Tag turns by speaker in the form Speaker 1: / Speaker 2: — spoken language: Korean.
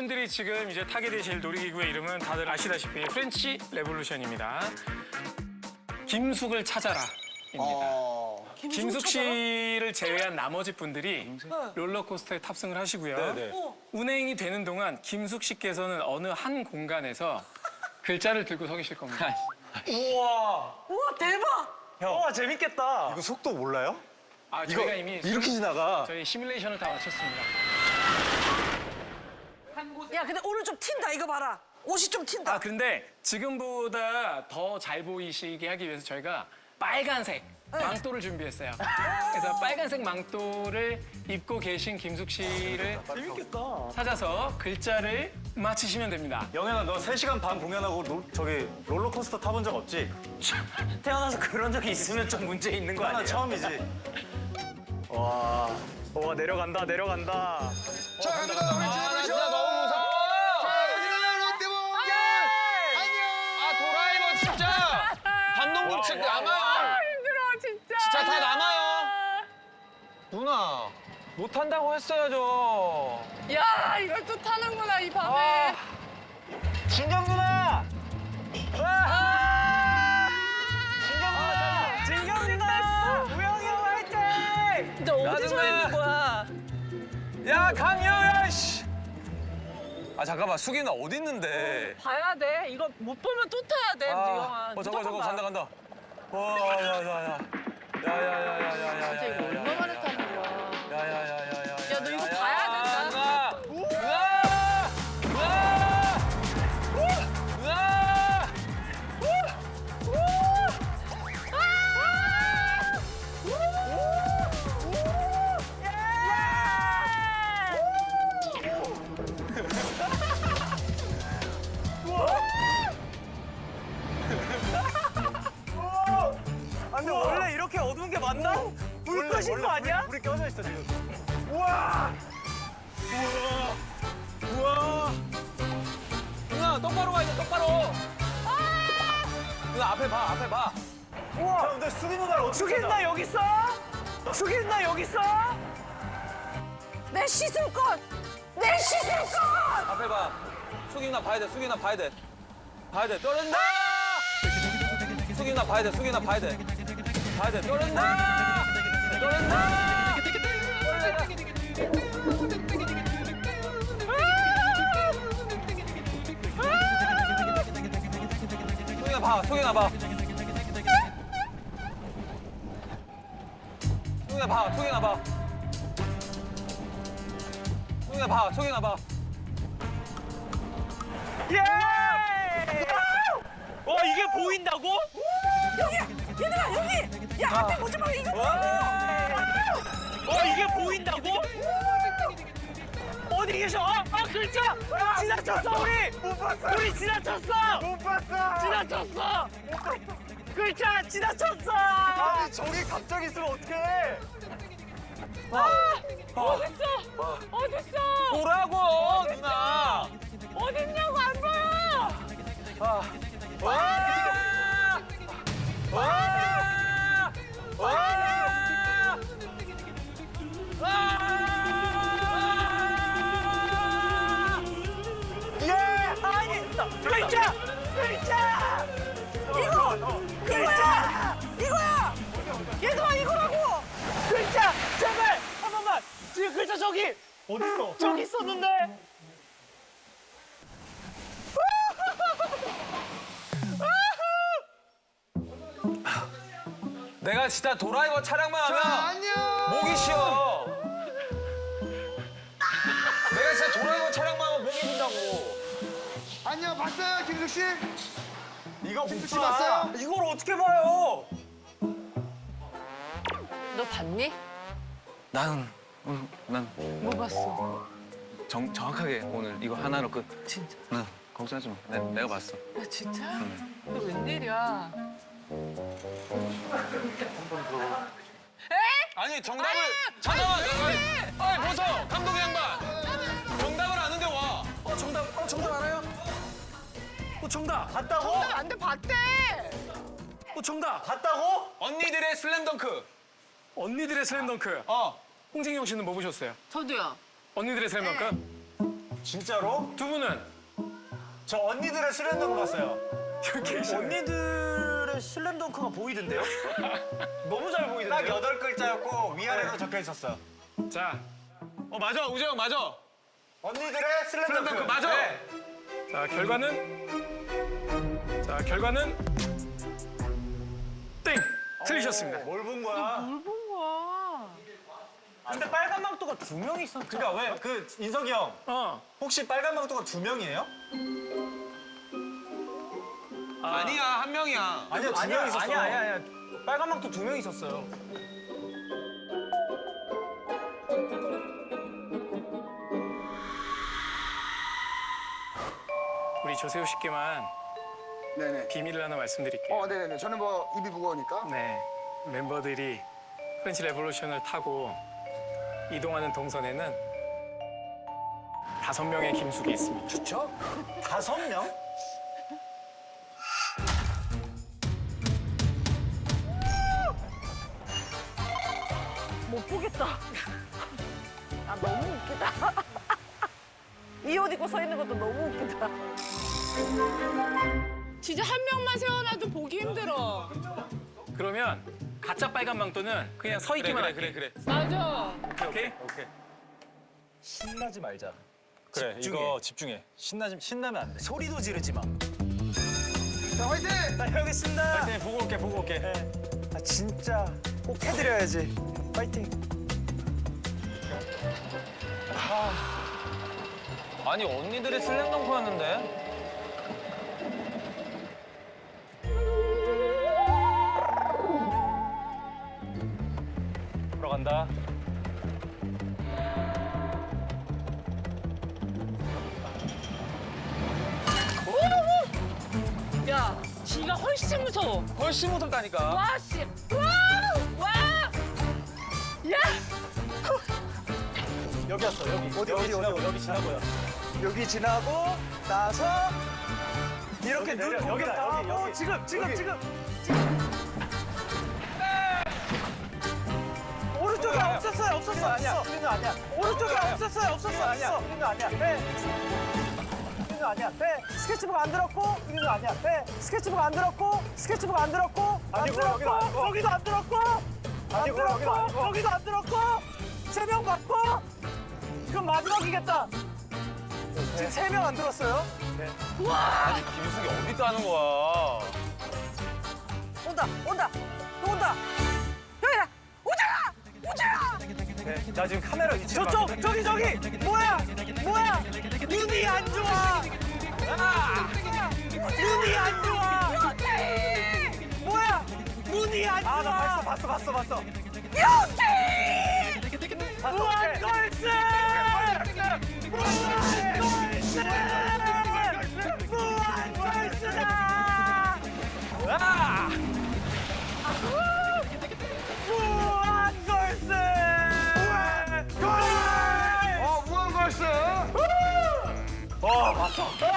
Speaker 1: 여러분들이 지금 이제 타게 되실 놀이기구의 이름은 다들 아시다시피 프렌치 레볼루션입니다. 김숙을 찾아라입니다. 김숙 씨를 제외한 나머지 분들이 롤러코스터에 탑승을 하시고요. 운행이 되는 동안 김숙 씨께서는 어느 한 공간에서 글자를 들고 서 계실 겁니다.
Speaker 2: 우와.
Speaker 3: 우와 대박!
Speaker 2: 와 재밌겠다.
Speaker 4: 이거 속도 몰라요?
Speaker 1: 아, 저희가 이미
Speaker 4: 이렇게 지나가.
Speaker 1: 저희 시뮬레이션을 다 마쳤습니다.
Speaker 3: 야 근데 오늘 좀 튄다 이거 봐라. 옷이 좀 튄다.
Speaker 1: 아, 근데 지금보다 더 잘 보이시게 하기 위해서 저희가 빨간색 망토를 준비했어요. 그래서 빨간색 망토를 입고 계신 김숙 씨를
Speaker 2: 재밌겠다.
Speaker 1: 찾아서 글자를 맞히시면 됩니다.
Speaker 4: 영현아, 너 3시간 반 공연하고 저기 롤러코스터 타본 적 없지?
Speaker 2: 태어나서 그런 적이 있으면 좀 문제 있는 거
Speaker 4: 하나
Speaker 2: 아니에요?
Speaker 4: 처음이지.
Speaker 2: 와 내려간다 내려간다.
Speaker 5: 자, 갑니다. 우리 지나가시오.
Speaker 6: 진짜 너무 무서워.
Speaker 5: 자, 여기는 롯데볼. 안녕.
Speaker 6: 아 도라이버 진짜 반동급 측 남아요.
Speaker 7: 힘들어 진짜.
Speaker 6: 진짜 다 남아요. 누나 못 탄다고 했어야죠.
Speaker 7: 야 이걸 또 타는구나 이 밤에.
Speaker 2: 진경 누나. 진경 누나. 우영이 형 화이팅.
Speaker 3: 근데 어디서
Speaker 6: 나중에.
Speaker 3: 있는 거야?
Speaker 6: 야 강여야 씨. 아 잠깐만 수기나 어디 있는데?
Speaker 3: 봐야 돼. 이거 못 보면 또 타야 돼, 영아.
Speaker 6: 저거 간다. 와야야야야. 야야야야야야.
Speaker 7: 진짜 이거 얼마 만에 타는 거야.
Speaker 6: 야야야야야.
Speaker 7: 야, 너 이거 봐야 된다.
Speaker 6: 누나.
Speaker 2: 아, 근데 원래 이렇게 어두운 게 맞나? 불 끄신 거 아니야?
Speaker 4: 불이 껴져 있어, 지금.
Speaker 6: 누나 똑바로 가야 돼 똑바로. 누나 앞에 봐.
Speaker 4: 자, 근데 수빈 누나를 어떻게
Speaker 2: 숙인
Speaker 4: 찾아?
Speaker 2: 나 여기 있어? 숙인 나 여기 있어?
Speaker 3: 내 씻을것! 내 씻을것!
Speaker 6: 앞에 봐. 수기나 봐야 돼. 떨어진다. 수기나 봐야 돼. 봐야 돼. 떨어진다. 수기나 봐. 수기나 봐.
Speaker 2: 예! 와 이게 보인다고?
Speaker 3: 여기! 얘들아 여기! 야 앞에 보지 마 이거 보라고!
Speaker 2: 와 이게 보인다고? 어디 계셔? 아 글자! 지나쳤어 우리! 못 봤어! 우리 지나쳤어!
Speaker 5: 못 봤어.
Speaker 2: 지나쳤어! 글자 지나쳤어!
Speaker 4: 아니, 저기 갑자기 있으면 어떡해?
Speaker 7: 어딨어?
Speaker 6: 보라고 누나.
Speaker 7: 어딨냐고 안 보여.
Speaker 2: 예! 아니! 글자!
Speaker 3: 이거야! 이거야! 얘들아 이거라고!
Speaker 2: 글자! 제발! 한 번만! 지금 글자 저기!
Speaker 4: 어딨어?
Speaker 2: 저기 있었는데!
Speaker 6: 내가 진짜 도라이버 차량만 하면
Speaker 5: 안녕.
Speaker 6: 목이 쉬어. 내가 진짜 도라이버 차량만 하면 목이 쉰다고.
Speaker 5: 안녕. 봤어요, 김숙 씨?
Speaker 4: 이거
Speaker 5: 김숙 씨
Speaker 4: 못 봐.
Speaker 5: 봤어요?
Speaker 2: 이걸 어떻게 봐요?
Speaker 7: 너 봤니?
Speaker 6: 난
Speaker 7: 뭐 봤어?
Speaker 6: 정확하게 오늘 이거 하나로 끝.
Speaker 7: 진짜?
Speaker 6: 응, 걱정하지 마. 내가 봤어.
Speaker 7: 야 진짜? 너 웬일이야?
Speaker 6: 아니 정답을 잠깐만. 아이 보소 감독 양반. 정답을 아는데 와.
Speaker 1: 정답 알아요? 정답!
Speaker 4: 봤다고?
Speaker 7: 안돼 봤대.
Speaker 1: 정답!
Speaker 4: 봤다고?
Speaker 6: 언니들의 슬램덩크.
Speaker 1: 언니들의 슬램덩크. 홍진경 씨는 뭐 보셨어요?
Speaker 7: 저도요.
Speaker 1: 언니들의 슬램덩크?
Speaker 4: 진짜로?
Speaker 1: 두 분은
Speaker 4: 저 언니들의 슬램덩크 봤어요.
Speaker 1: 여기 계시네.
Speaker 4: 언니들의 슬램덩크가 보이던데요? 너무 잘 보이던데요? 딱 8글자였고 위아래로 적혀 있었어요.
Speaker 1: 자,
Speaker 6: 맞아 우재형 맞아.
Speaker 4: 언니들의 슬램덩크.
Speaker 6: 슬램덩크 맞아.
Speaker 4: 네.
Speaker 1: 자, 결과는 땡! 틀리셨습니다.
Speaker 4: 뭘 본 거야?
Speaker 7: 뭘 본 거야?
Speaker 4: 근데 빨간 망토가 2명 있었죠. 그러니까 왜 그 인석이 형 혹시 빨간 망토가 2명이에요?
Speaker 6: 아니야 한 명이야.
Speaker 4: 아니야 2명 있었어.
Speaker 5: 아니야. 빨간 망토 2명 있었어요.
Speaker 1: 우리 조세호 씨께만
Speaker 5: 네네.
Speaker 1: 비밀을 하나 말씀드릴게요.
Speaker 5: 네네네. 저는 뭐 입이 무거우니까.
Speaker 1: 네, 멤버들이 프렌치 레볼루션을 타고 이동하는 동선에는 5명의 김숙이 있습니다.
Speaker 4: 좋죠? 5명?
Speaker 3: 못 보겠다. 아 너무 웃기다. 이 옷 입고 서 있는 것도 너무 웃기다.
Speaker 7: 진짜 한 명만 세워놔도 보기 힘들어.
Speaker 1: 그러면 가짜 빨간 망토는 그냥 서 있기만 할게.
Speaker 6: 그래.
Speaker 7: 맞아.
Speaker 1: 오케이?
Speaker 4: 신나지 말자. 그래, 이거 집중해. 신나면 안 돼. 소리도 지르지 마.
Speaker 5: 자, 화이팅!
Speaker 4: 나 해보겠습니다. 파이팅, 보고 올게. 아, 진짜 꼭 해드려야지. 파이팅.
Speaker 6: 아니 언니들의 슬램덩크였는데.
Speaker 4: 들어간다.
Speaker 7: 야, 지가 훨씬 무서워.
Speaker 6: 훨씬 무섭다니까.
Speaker 7: 와, 씨. 와! 와! 야!
Speaker 4: 여기 왔어, 여기. 여기 지나고요.
Speaker 5: 여기 지나고 나서 이렇게
Speaker 4: 여기 내려,
Speaker 5: 눈
Speaker 4: 여기다,
Speaker 5: 다
Speaker 4: 여기,
Speaker 5: 하고
Speaker 4: 여기.
Speaker 5: 지금. 오른쪽에 없었어요.
Speaker 4: 아니야, 우리는 아니야.
Speaker 5: 오른쪽에 없었어요.
Speaker 4: 아니야, 우리는 아니야. 빼. 우리는 아니야. 빼.
Speaker 5: 스케치북 안 들었고 우리는 아니야. 빼. 스케치북 안 들었고
Speaker 4: 아니고, 여기도 아니고.
Speaker 5: 여기도 안 들었고
Speaker 4: 아니고, 여기도 아니고.
Speaker 5: 여기도 안 들었고 3명 받고 그럼 마지막이겠다. 지금 3명 안 들었어요?
Speaker 6: 아니 김숙이 어디 따는 거야?
Speaker 3: 온다. 또 온다. 여기다. 오잖아.
Speaker 4: 네, 나 지금 카메라 위치
Speaker 5: 저쪽 저기 뭐야 눈이 안 좋아 눈이 안 좋아 뭐야 눈이 안 좋아
Speaker 4: 나 봤어.
Speaker 5: 무한걸스 무한걸스다 무한걸스
Speaker 2: 무한걸스.
Speaker 4: 봤어.